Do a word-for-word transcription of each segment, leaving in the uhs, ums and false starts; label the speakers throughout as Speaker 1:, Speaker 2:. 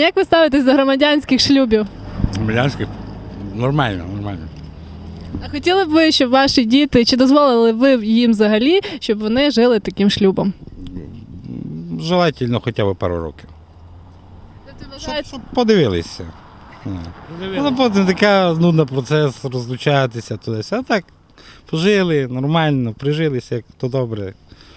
Speaker 1: як ви ставитесь до громадянських шлюбів?
Speaker 2: Громадянських? Нормально, нормально.
Speaker 1: А хотіли б ви, щоб ваші діти, чи дозволили ви їм взагалі, щоб вони жили таким шлюбом?
Speaker 2: Желательно хоча б пару років.
Speaker 1: Тобто,
Speaker 2: Щоб, щоб подивилися. Ну, потім така нудна процес, розлучатися туди. А так, пожили, нормально, прижилися, як то добре.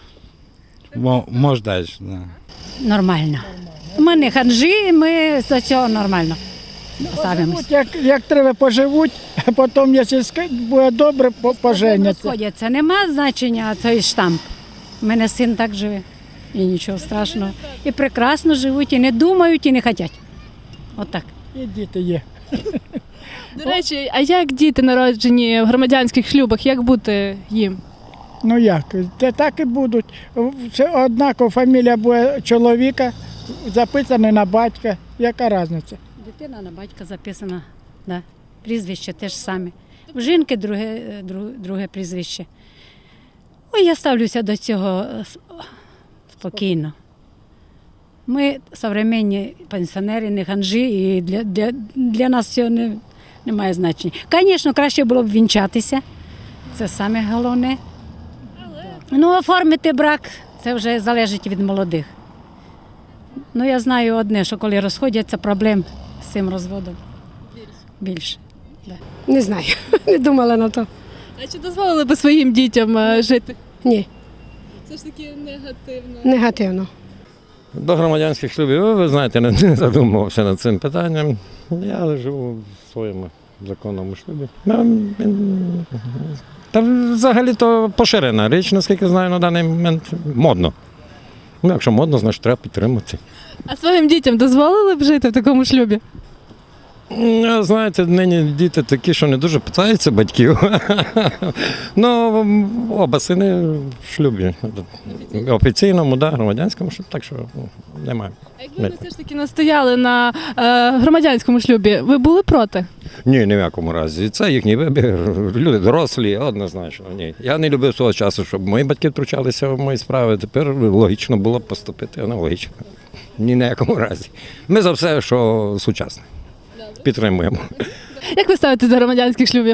Speaker 2: Може далі. Да.
Speaker 3: Нормально. Ми не ханжі, ми за цього нормально ставимося.
Speaker 4: Як, як треба поживуть, а потім, якщо буде добре, поженяться.
Speaker 3: Розходяться, нема значення цей штамп. У мене син так живе, і нічого страшного. І прекрасно живуть, і не думають, і не хочуть. Отак.
Speaker 4: І діти є.
Speaker 1: До речі, а як діти народжені в громадянських шлюбах, як бути їм?
Speaker 4: Ну як, це так і будуть. Це однаково фамілія буде чоловіка, записана на батька. Яка різниця?
Speaker 3: Дитина на батька записана, да. Прізвище теж саме. У жінки друге, друге, друге прізвище. Ой, я ставлюся до цього спокійно. Ми современні пенсіонери, не ханжі, і для, для, для нас цього не, не має значення. Звісно, краще було б вінчатися, це саме головне. Ну, оформити брак, це вже залежить від молодих. Ну, я знаю одне, що коли розходяться, проблем з цим розводом більше. Да.
Speaker 5: Не знаю, не думала на то.
Speaker 1: А чи дозволили би своїм дітям е, жити?
Speaker 5: Ні,
Speaker 1: Це ж таки негативно.
Speaker 5: негативно.
Speaker 6: До громадянських шлюбів, ви знаєте, не, не задумувався над цим питанням. Я живу в своєму законному шлюбі. Та взагалі то поширена річ, наскільки знаю, на даний момент модно. Ну, якщо модно, значить треба підтримати.
Speaker 1: А своїм дітям дозволили б жити в такому шлюбі?
Speaker 6: Знаєте, нині діти такі, що не дуже питаються батьків. Ну, оба сини в шлюбі. Офіційному, да, громадянському, так що немає.
Speaker 1: А якби ви все ж таки настояли на е, громадянському шлюбі, ви були проти?
Speaker 6: Ні, ні в якому разі. Це їхній вибір. Люди дорослі, однозначно. Ні. Я не любив свого часу, щоб мої батьки втручалися в мої справи. Тепер логічно було б поступити аналогічно. Ні на якому разі. Ми за все, що сучасне. Підтримуємо.
Speaker 1: Як ви ставитесь до громадянських шлюбів?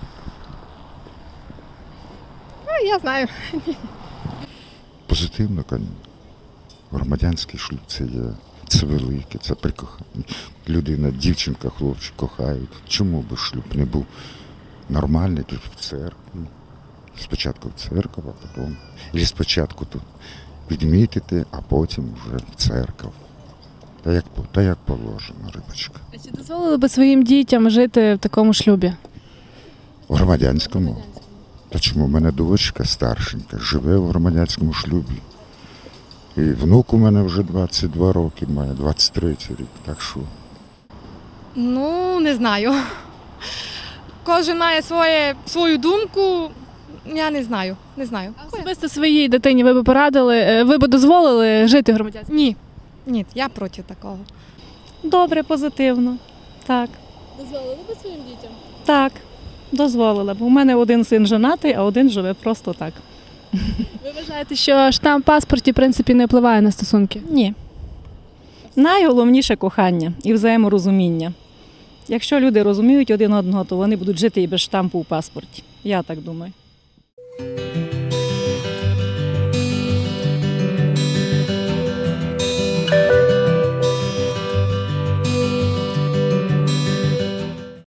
Speaker 5: Ну, я знаю.
Speaker 7: Позитивно, звісно. Громадянський шлюб це є, це велике, це прикохання. Людина, дівчинка, хлопчик кохають. Чому би шлюб не був нормальний тут в церкві? Спочатку в церкву, а потім. І спочатку тут відмітити, а потім вже в церкву. Та як, та як положено, рибочка.
Speaker 1: А чи дозволили би своїм дітям жити в такому шлюбі?
Speaker 7: В громадянському? Та чому? У мене дочка старшенька живе в громадянському шлюбі. І внук у мене вже двадцять два роки має, двадцять третій рік, так що.
Speaker 8: Ну, не знаю. Кожен має своє, свою думку, я не знаю, не знаю.
Speaker 1: А особисто своїй дитині ви б порадили, е, ви б дозволили жити в громадянському?
Speaker 8: Ні, ні, я проти такого.
Speaker 9: Добре, позитивно. Так,
Speaker 1: Дозволили би своїм дітям?
Speaker 9: так, дозволила б. У мене один син женатий, а один живе просто так.
Speaker 1: Ви вважаєте, що штамп в паспорті, в принципі, не впливає на стосунки?
Speaker 9: Ні. Найголовніше кохання і взаєморозуміння. Якщо люди розуміють один одного, то вони будуть жити і без штампу у паспорті. Я так думаю.